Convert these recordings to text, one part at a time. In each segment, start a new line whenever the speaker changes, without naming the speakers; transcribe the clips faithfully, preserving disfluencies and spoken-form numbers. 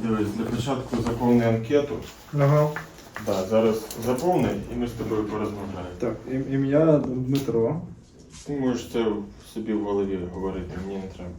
Дивись, для початку заповни анкету.
Ага.
Да, зараз заповни і ми з тобою порозмовляємо.
Так, ім- ім'я Дмитро.
Ти можеш це собі в голові говорити, мені не треба.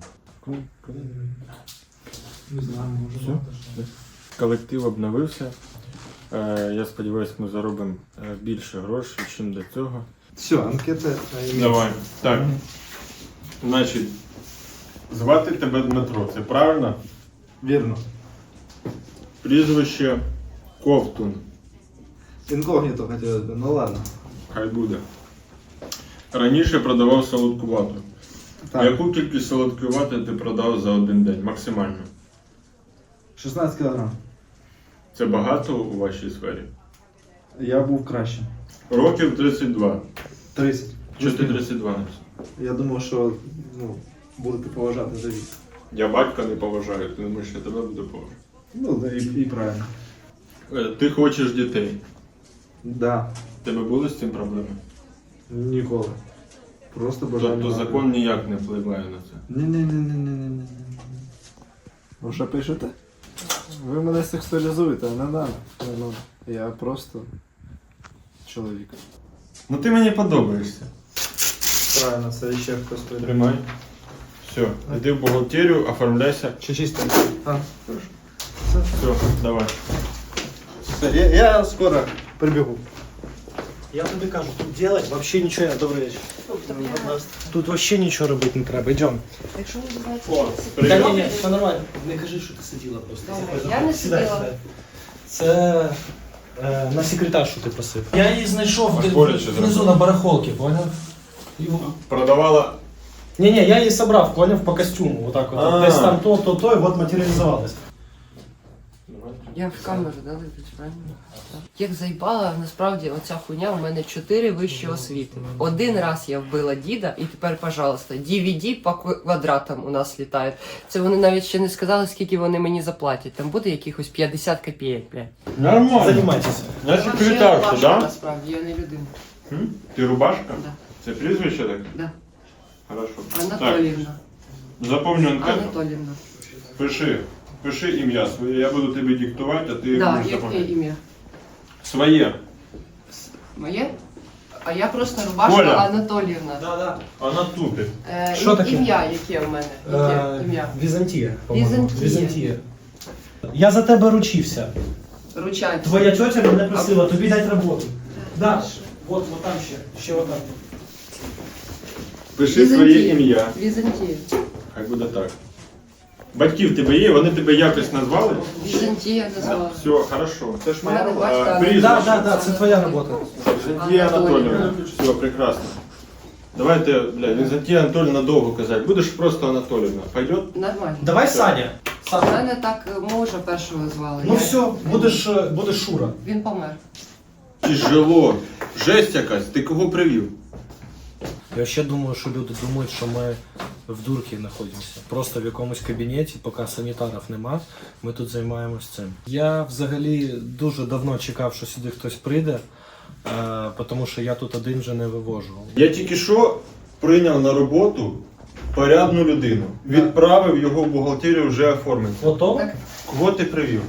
Не знаю, може.
Все? Колектив обновився. Е, я сподіваюся, ми заробимо е, більше грошей, ніж до цього.
Все, анкета.
Давай. Так. Значить, звати тебе Дмитро, це правильно?
Вірно.
Прізвище Ковтун.
Інкогніто хотілося б, ну ладно.
Хай буде. Раніше продавав солодку вату.
Так,
Яку кількість солодкої вати ти продав за один день? Максимально.
шістнадцять кілограм.
Це багато у вашій сфері?
Я був кращим.
Років тридцять два.
тридцять.
Чи ти тридцять два написав?
Я думав, що ну, будете поважати за вік.
Я батька не поважаю, ти думаєш, я тебе буду поважати.
Ну, да, і, і правильно.
Е, Ти хочеш дітей.
Да.
В тебе були з цим проблеми?
Ніколи. Просто бажання.
Тобто
мати.
закон ніяк не впливає на це.
Ні-ні-ні-ні-ні-ні. Ви що пишете? Ви мене сексуалізуєте, не надо. Не надо. Я просто чоловік.
Ну ти мені подобаєшся.
Правильно, це ще хтось прийде.
Тримай. Все, йди в бухгалтерію, оформляйся.
Чи чисто? А, хорошо.
Все, давай.
Все, я, я скоро прибігу.
Я тобі кажу, тут делать вообще нічого не... Добрий вечір. Тут вообще нічого робити не треба, йдемо.
Якщо не знаєте,
О,
що це
привіт.
Та ні, ні, все нормально. Не кажи, що ти сиділа просто.
Добре, я не
Сідай,
сиділа.
сідай. Це е, на секретаршу ти просив. Я її знайшов
А
в-
боляче
внизу
зробив?
на барахолці, поняв? І-
Продавала.
Ні, ні, я її собрав, поняв, по костюму. Отак от.
А.
Десь там то, то, то, і от матеріалізувалось.
Я в камеру, да, дивлюсь, правильно? Як заїбала, насправді оця хуйня, у мене чотири вищі освіти. Один раз я вбила діда, і тепер, пожалуйста, ді ві ді по кв- квадратам у нас літають. Це вони навіть ще не сказали, скільки вони мені заплатять. Там буде якихось п'ятдесят копійок, блядь.
Нормально.
Займайтеся.
Я секретарша,
да?
да?
Насправді, я не людина.
М? Ти рубашка?
Да.
Це прізвище таке?
Да.
Хорошо.
Анатоліївна.
Так, заповню анкету.
Анатоліївна.
Пиши. Пиши ім'я своє, я буду тобі диктувати, а ти
Да,
будеш
яке
заповняти.
ім'я?
Своє.
Моє? А я просто рубашка
Коля.
Анатоліївна.
Да, да.
Вона тупить.
Е,
Що
і-
таке?
Ім'я, яке в мене? Яке
Е,
ім'я?
Візантія, по-моєму.
Візантія.
Візантія. Я за тебе ручився.
Ручанці.
Твоя тетя мене просила тобі дати роботу. Да. Вот, вот там ще. Ще отак.
Пиши своє ім'я.
Візантія.
Хай буде так. Батьки в тебе є, вони тебе якось назвали?
Візантія назвала.
Все, хорошо. Це ж
У мене батько
а,
Анатолій.
прізвище.
Да, да, да, це твоя робота.
Візантія Анатоліївна. Все, прекрасно. Давайте, бля, Візантія Анатоліївна довго казати. Будеш просто Анатоліївна. Пойдет?
Нормально.
Давай Саня.
У
Саня.
мене так е, мужа першого звали.
Ну
Я-
все, будеш, е, будеш Шура.
Він помер.
Тяжело. Жесть якась. Ти кого привів?
Я ще думаю, що люди думають, що ми в дурці знаходимося. Просто в якомусь кабінеті, поки санітарів нема, ми тут займаємось цим. Я взагалі дуже давно чекав, що сюди хтось прийде, е, тому що я тут один вже не вивожу.
Я тільки що прийняв на роботу порядну людину. Відправив його в бухгалтерію вже оформити.
Готово?
Так.
Кого ти привів?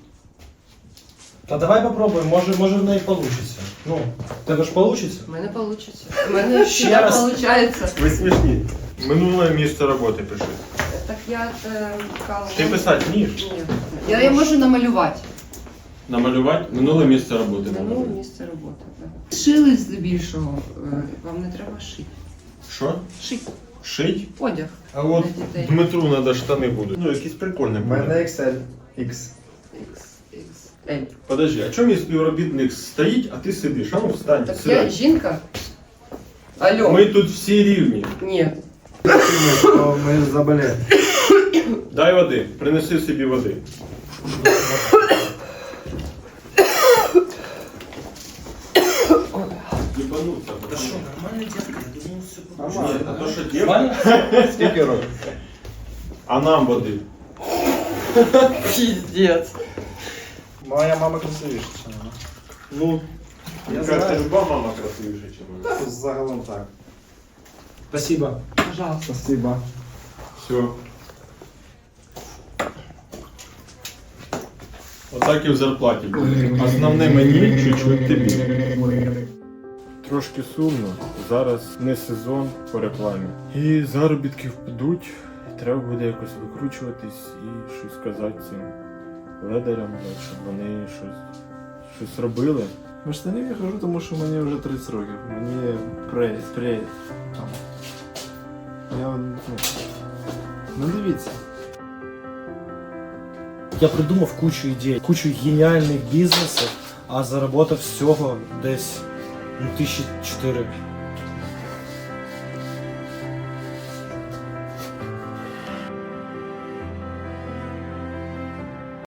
Та давай попробуємо, може, може в неї вийде. Ну, в тебе ж вийде?
У мене вийде. У мене
Ще
ще
раз.
виходить.
Ви смішні. Минуле місце роботи пиши.
Так я е, кала.
Ти писати вмієш?
Ні. Я, я можу намалювати.
Намалювати минуле місце роботи.
Минуле
намалювати.
місце роботи. Так. Шили здебільшого. Е, Вам не треба шити.
Що?
Шить.
Шить?
Одяг.
А от
Для дітей.
Дмитру треба штани будуть. Ну, якісь прикольні.
У мене ікс ель. Ікс.
Ікс, ікс, ель.
Подожди, а чому мій співробітник стоїть, а ти сидиш? А ну встань,
Так я
сідай.
жінка? Алло.
Ми тут всі рівні.
Ні.
Що ми заболели.
Дай води, принеси собі води. Єбануться.
Та що, нормальна дівка, я думаю, все
Ні, а то що дівка?
Нормально?
Скільки років?
А нам води.
Піздець.
Моя мама красивіша, ніж вона.
Ну,
Я
яка
знаю.
люба мама красивіша, ніж вона.
Та загалом так.
Спасибо.
Пожалуйста.
Спасибо.
Все. Отак і в зарплаті буде. Основне мені, чуть-чуть тобі. Трошки сумно. Зараз не сезон по рекламі. І заробітки впадуть. І треба буде якось викручуватись і щось сказати цим ледарям, щоб вони щось, щось робили.
В штанів я хожу, тому що мені вже тридцять років. Мені прей, прей. Там. Я, ну, ну дивіться.
Я придумав кучу ідей, кучу геніальних бізнесів, а заработав всього десь ну, тисячі чотири.